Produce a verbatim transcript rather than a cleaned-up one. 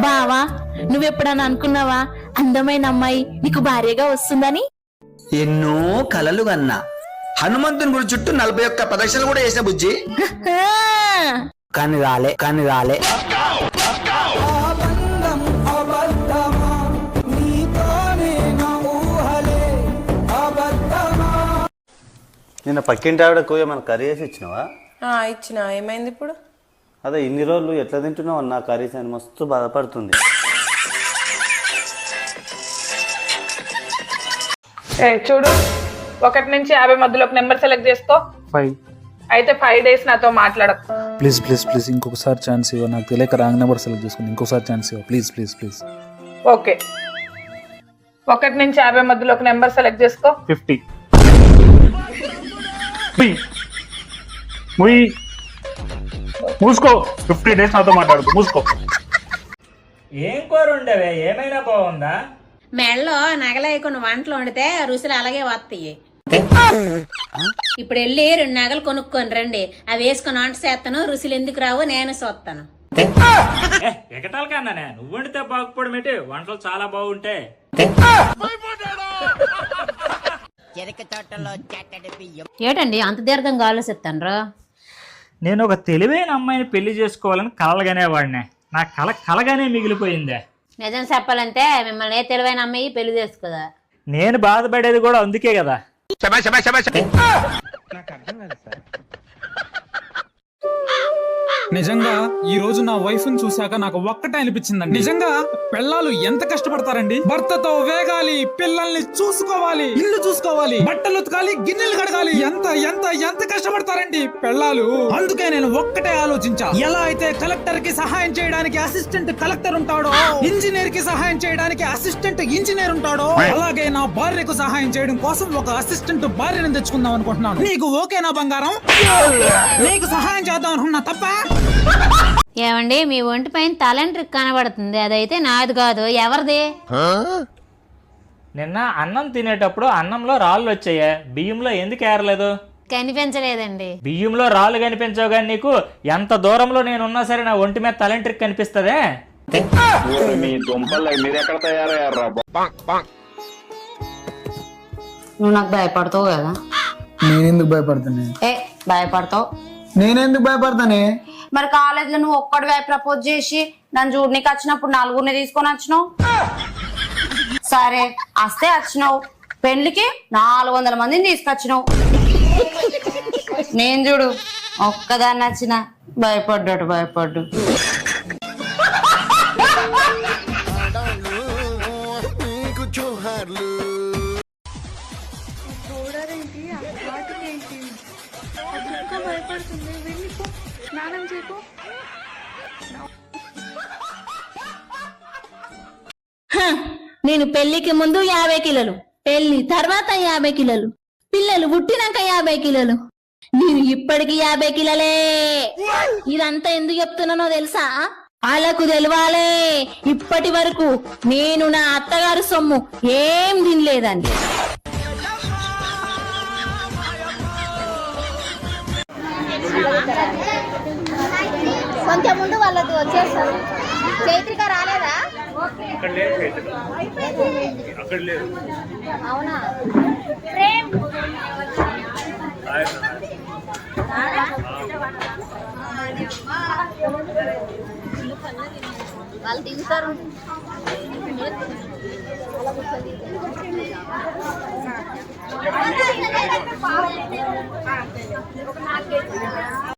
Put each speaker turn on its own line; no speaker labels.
బావా నువ్వెప్పుడన్నా అనుకున్నావా అందమైన అమ్మాయి నీకు భార్యగా వస్తుందని?
ఎన్నో కలలు కన్నా హనుమంతుని గుడి చుట్టూ నలభై ఒక్క ప్రదక్షిణలు కూడా చేసిన బుజ్జి, కానీ రాలే కానీ రాలే
నిన్న పక్కింటి ఆవిడకు ఏమైనా కర్రీ వేసి ఇచ్చినావా?
ఇచ్చిన. ఏమైంది ఇప్పుడు?
అదే ఇన్ని రోజులు ఎట్లా తింటున్నావు అన్న కర్రీస్ అని మస్తు బాధపడుతుంది.
ఏ చూడు, ఒకటి నుంచి యాభై మధ్యలో ఒక నెంబర్ సెలెక్ట్ చేసుకో.
ఫైవ్.
అయితే ఫైవ్ డేస్ నాతో మాట్లాడకు.
ప్లీజ్ ప్లీజ్ ప్లీజ్ ఇంకొకసారి ఛాన్స్ ఇవ్వ. నాకు తెలియక రాంగ్ నెంబర్ సెలెక్ట్ చేసుకుని ఇంకొకసారి ఛాన్స్ ఇవ్వ ప్లీజ్ ప్లీజ్ ప్లీజ్.
ఓకే, ఒకటి నుంచి యాభై మధ్యలో ఒక నెంబర్ సెలెక్ట్ చేసుకో.
ఫిఫ్టీ. మూసుకో. ఫిఫ్టీ డేస్ నాతో మాట్లాడుకో. మూసుకో.
ఏం కూర ఉండవే? ఏమైనా బాగుందా?
మెళ్ళో నగలేయకుండా వంటలు వండితే రుసులు అలాగే వస్తాయి. ఇప్పుడు వెళ్ళి రెండు నగలు కొనుక్కొని రండి, అవి వేసుకొని వంట చేస్తాను. రుసులు ఎందుకు రావు నేను చూస్తాను.
ఎగటాల కన్నానే, నువ్వు వండితే బాగుపడం ఏంటి? వంటలు చాలా బాగుంటాయి.
ఏటండి అంత దీర్ఘంగా ఆలోచిస్తాను?
నేను ఒక తెలివైన అమ్మాయిని పెళ్లి చేసుకోవాలని కలలుగానే వాడినే. నా కళ కలగానే మిగిలిపోయిందే.
నిజం చెప్పాలంటే మిమ్మల్ని ఏ తెలివైన అమ్మాయి పెళ్లి చేసుకోదా.
నేను బాధపడేది కూడా అందుకే కదా.
నిజంగా ఈ రోజు నా వైఫ్ ని చూశాక నాకు ఒక్కటే అనిపించిందండి. నిజంగా పెళ్ళాలు ఎంత కష్టపడతారండి. భర్తతో వేగాలి, పిల్లల్ని చూసుకోవాలి, ఇల్లు చూసుకోవాలి, బట్టలు ఉతకాలి, గిన్నెలు కడగాలి. ఎంత ఎంత ఎంత కష్టపడతారండి పెళ్ళాలు. అందుకే నేను ఒక్కటే ఆలోచించా, ఎలా అయితే కలెక్టర్ కి సహాయం చేయడానికి అసిస్టెంట్ కలెక్టర్ ఉంటాడో, ఇంజనీర్ కి సహాయం చేయడానికి అసిస్టెంట్ ఇంజనీర్ ఉంటాడో, అలాగే నా భార్యకు సహాయం చేయడం కోసం ఒక అసిస్టెంట్ భార్యను తెచ్చుకుందాం అనుకుంటున్నాను. నీకు ఓకేనా బంగారం? నీకు సహాయం చేద్దాం అనుకున్నా తప్ప?
ఏమండి, మీ ఒంటి పైన తలంట్రిక్ కనబడుతుంది, అదైతే నాది కాదు. ఎవరిది?
నిన్న అన్నం తినేటప్పుడు అన్నంలో రాళ్ళు వచ్చాయే, బియ్యంలో ఎందుకు ఏరలేదు?
కనిపించలేదండి.
బియ్యంలో రాళ్ళు కనిపించవు కానీ నీకు ఎంత దూరంలో నేనున్నా సరే నా ఒంటి మీద తలంట్రిక్ కనిపిస్తదే.
నువ్వు నాకు భయపడతావు కదా.
నేనెందుకు భయపడతానే?
ఏ భయపడతావు?
నేనెందుకు భయపడతానే?
మరి కాలేజ్ లో నువ్వు ఒక్కడివే ప్రపోజ్ చేసి నన్ను చూడనీకి వచ్చినప్పుడు నలుగురిని తీసుకొని వచ్చినావు. సరే వస్తే వచ్చినావు, పెళ్లికి నాలుగు వందల మందిని తీసుకొచ్చినావు. నేను చూడు ఒక్కదాన్ని వచ్చిన భయపడ్డాడు భయపడ్డు.
నేను పెళ్లికి ముందు యాభై కిలోలు, పెళ్లి తర్వాత యాభై కిలోలు, పిల్లలు పుట్టినాక యాభై కిలోలు, నేను ఇప్పటికి యాభై కిలోలే. ఇదంతా ఎందుకు చెప్తున్నానో తెలుసా? వాళ్ళకు తెలవాలే ఇప్పటి వరకు నేను నా అత్తగారు సొమ్ము ఏం తినలేదండి.
కొంచెం ముందు వాళ్ళది వచ్చేస్తారు. చైత్రిక రాలేదా? అవునా? వాళ్ళు దిగుతారు.